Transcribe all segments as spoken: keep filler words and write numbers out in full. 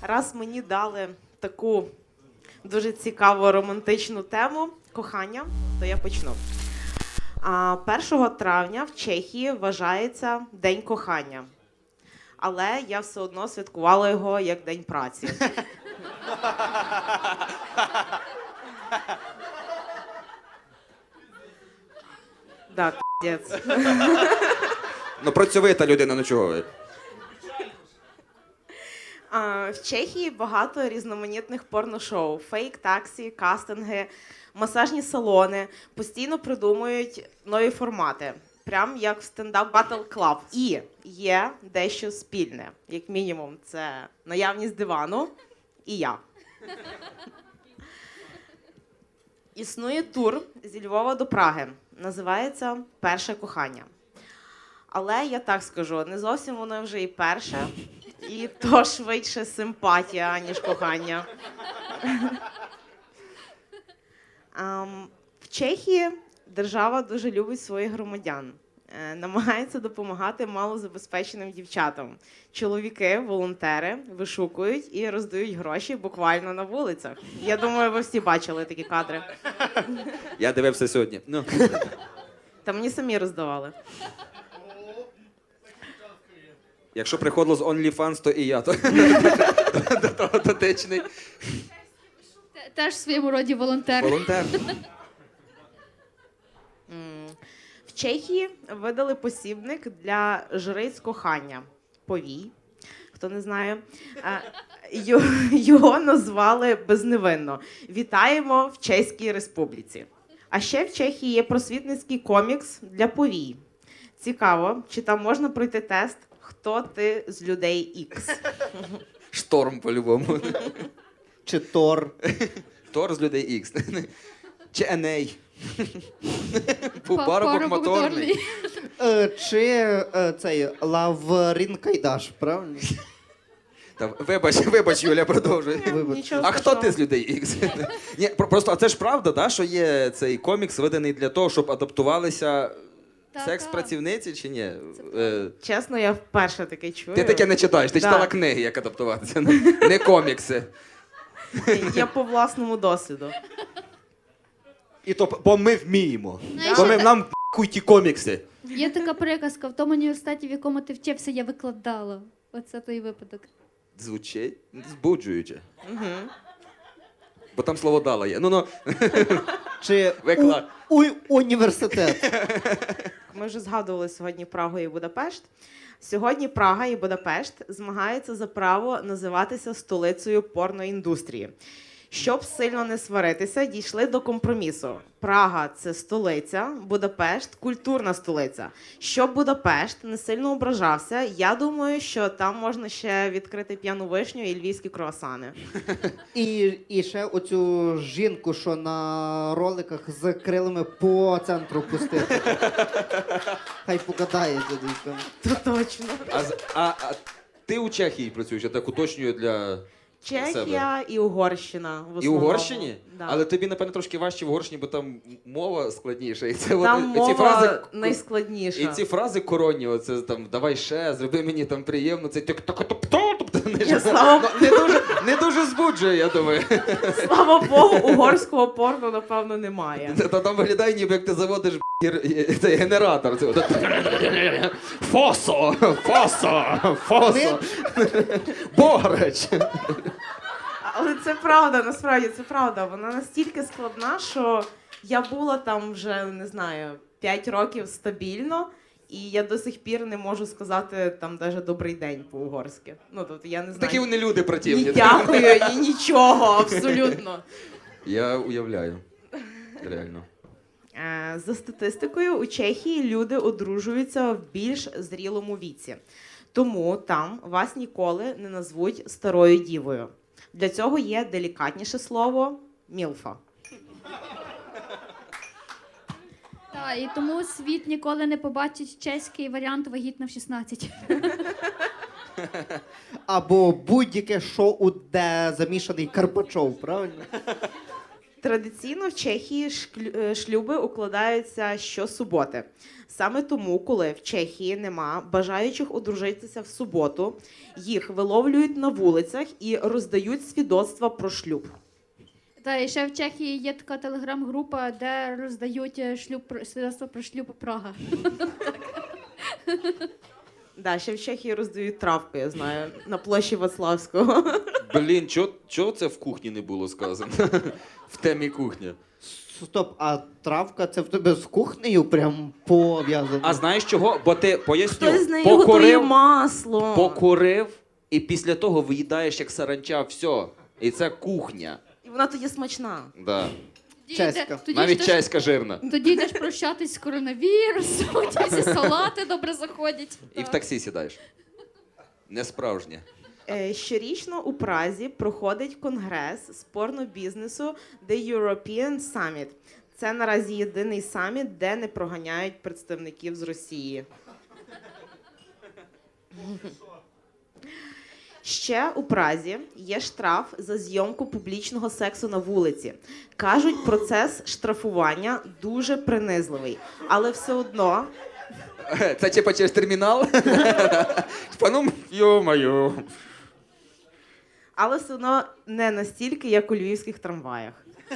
Раз мені дали таку дуже цікаву романтичну тему кохання, то я почну. А, першого травня в Чехії вважається День кохання. Але я все одно святкувала його як День праці. Так, піздець. Ну, працьовита людина, ну чого ви? А, В Чехії багато різноманітних порношоу, фейк-таксі, кастинги, масажні салони, постійно придумують нові формати, прям як в стендап Battle Club. І є дещо спільне, як мінімум, це наявність дивану і я. Існує тур зі Львова до Праги, називається «Перше кохання». Але я так скажу, не зовсім воно вже і перше, і то швидше симпатія, аніж кохання. Ем, В Чехії держава дуже любить своїх громадян. Е, Намагається допомагати малозабезпеченим дівчатам. Чоловіки, волонтери вишукують і роздають гроші буквально на вулицях. Я думаю, ви всі бачили такі кадри. Я дивився сьогодні. Ну. Та мені самі роздавали. Якщо приходило з OnlyFans, то і я. То, до того дотичний. Те- Теж в своєму роді волонтер. Волонтер. М, В Чехії видали посібник для жриць кохання. Повій, хто не знає. Е, ю- Його назвали безневинно. Вітаємо в Чеській Республіці. А ще в Чехії є просвітницький комікс для повій. Цікаво, чи там можна пройти тест «Хто ти з людей Ікс?» Шторм по-любому. Чи Тор. Тор з людей Ікс. Чи Еней. Па- Парубок моторний. Е, Чи е, цей Лаврін Кайдаш, правильно? Та, вибач, вибач, Юля, продовжуй. Вибач. Нічого А хто страшного. ти з людей Ікс? Ні, про- просто, а це ж правда, да, що є цей комікс, виданий для того, щоб адаптувалися Та-та. секс-працівниці, чи ні? Е, Чесно, я вперше таке чую. Ти таке не читаєш, ти Да. читала книги, як адаптуватися, не не комікси. Я по власному досвіду. І то, бо ми вміємо. Знаєш, Бо ми, я- нам хуй ті комікси. Є така приказка, в тому університеті, в якому ти вчився, я викладала. Оце той випадок. Звучить збуджуюче. Угу. Бо там слово дала є. Ну, ну, Чи Виклад. у, у, університет? Ми вже згадували сьогодні Прагу і Будапешт. Сьогодні Прага і Будапешт змагаються за право називатися столицею порноіндустрії. Щоб сильно не сваритися, дійшли до компромісу. Прага – це столиця, Будапешт – культурна столиця. Щоб Будапешт не сильно ображався, я думаю, що там можна ще відкрити п'яну вишню і львівські круасани. І, і ще оцю жінку, що на роликах з крилами по центру пустити. Хай покатає дядько. То точно. а, з- а, а ти у Чехії працюєш, я так уточнюю для Чехія і Угорщина. В І основному. Угорщині? Да. Але тобі, напевно, трошки важче в Угорщині, бо там мова складніша. І це Там от, мова ці фрази, найскладніша. і ці фрази коронні, оце там давай ще, зроби мені там приємно, це тьок так тобто не, Я слава- не дуже не дуже збуджує, я думаю. Слава Богу, угорського порно, напевно, немає. Та там виглядає, ніби як ти заводиш б**, гер- цей генератор. Це от- Фосо! Фосо! Фосо! Бограч! Але це правда, насправді це правда. Вона настільки складна, що я була там вже, не знаю, п'ять років стабільно, і я до сих пір не можу сказати там навіть добрий день по-угорськи. Ну, тобто я не знаю. Такі вони люди противні. Ні дякую, ні нічого, абсолютно. Я уявляю. Реально. Е, За статистикою, у Чехії люди одружуються в більш зрілому віці. Тому там вас ніколи не назвуть старою дівою. Для цього є делікатніше слово «мілфа». Так, і тому світ ніколи не побачить чеський варіант вагітна в шістнадцять. Або будь-яке шоу, де замішаний Карпачов, правильно? Традиційно в Чехії шклю- е, шлюби укладаються щосуботи. Саме тому, коли в Чехії нема бажаючих одружитися в суботу, їх виловлюють на вулицях і роздають свідоцтва про шлюб. Та і ще в Чехії є така телеграм-група, де роздають е, шлюб про- свідоцтво про шлюб Прага. Да, ще в Чехії роздають травку, я знаю, на площі Вацлавського. Блін, чого чого це в кухні не було сказано? В темі кухня. Стоп, а травка це в тебе з кухнею прям пов'язано? А знаєш чого? Бо ти поясню, Хтось з нею готує покурив, масло. покурив, і після того виїдаєш як саранча, все. І це кухня. І вона тоді смачна. Да. Тоді Чеська. йде- тоді Навіть йдеш- чеська жирна. Тоді йдеш прощатись з коронавірусом, ті всі салати добре заходять. І в таксі сідаєш. Не справжнє. Е, Щорічно у Празі проходить конгрес з порнобізнесу The European Summit. Це наразі єдиний саміт, де не проганяють представників з Росії. Ще у Празі є штраф за зйомку публічного сексу на вулиці. Кажуть, процес штрафування дуже принизливий, але все одно Це типа через термінал? Пану, йо-моє. Але все одно не настільки, як у львівських трамваях.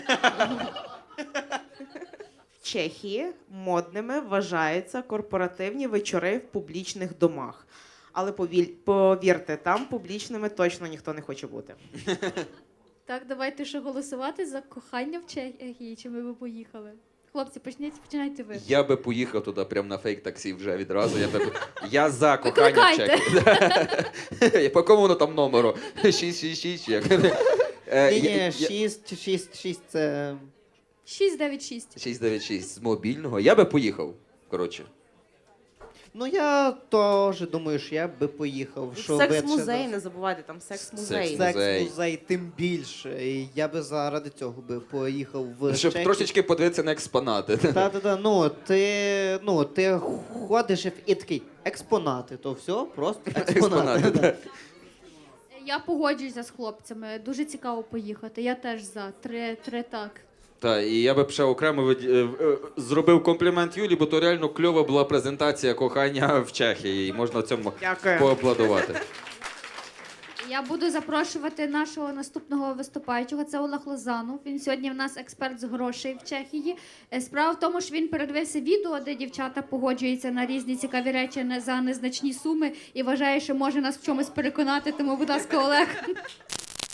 В Чехії модними вважаються корпоративні вечори в публічних домах. Але повіль- повірте, там публічними точно ніхто не хоче бути. Так, давайте ще голосувати за кохання в Чехії, чи ми би поїхали. Хлопці, почніть, починайте ви. Я би поїхав туди прямо на фейк-таксі вже відразу. Я, би... я за кохання в Викликайте. Чехії. По кому воно там номеру? шість шість шість. як? Е, Ні, я- ні, я- шість, шість, шість це. шість дев'ять шість. шість дев'ять шість з мобільного. Я би поїхав. Коротше. Ну я теж думаю, що я би поїхав. Що Секс-музей, не забувайте, там секс-музей. Секс-музей. Секс-музей, тим більше. І я би заради цього би поїхав в Щоб Чехію. трошечки подивитися на експонати. Та-та-та, ну ти, ну ти ходиш і такий, експонати, то все, просто експонати. Експонати, да. так. Я погоджуюся з хлопцями. Дуже цікаво поїхати. Я теж за. Три, три так. Так, і я би ще окремо від... е, е, зробив комплімент Юлі, бо то реально кльова була презентація кохання в Чехії. І можна цьому Дякую. поаплодувати. Я буду запрошувати нашого наступного виступаючого. Це Олег Лозанов. Він сьогодні в нас експерт з грошей в Чехії. Е, Справа в тому, що він передивився відео, де дівчата погоджуються на різні цікаві речі не- за незначні суми і вважає, що може нас в чомусь переконати. Тому, будь ласка, Олег.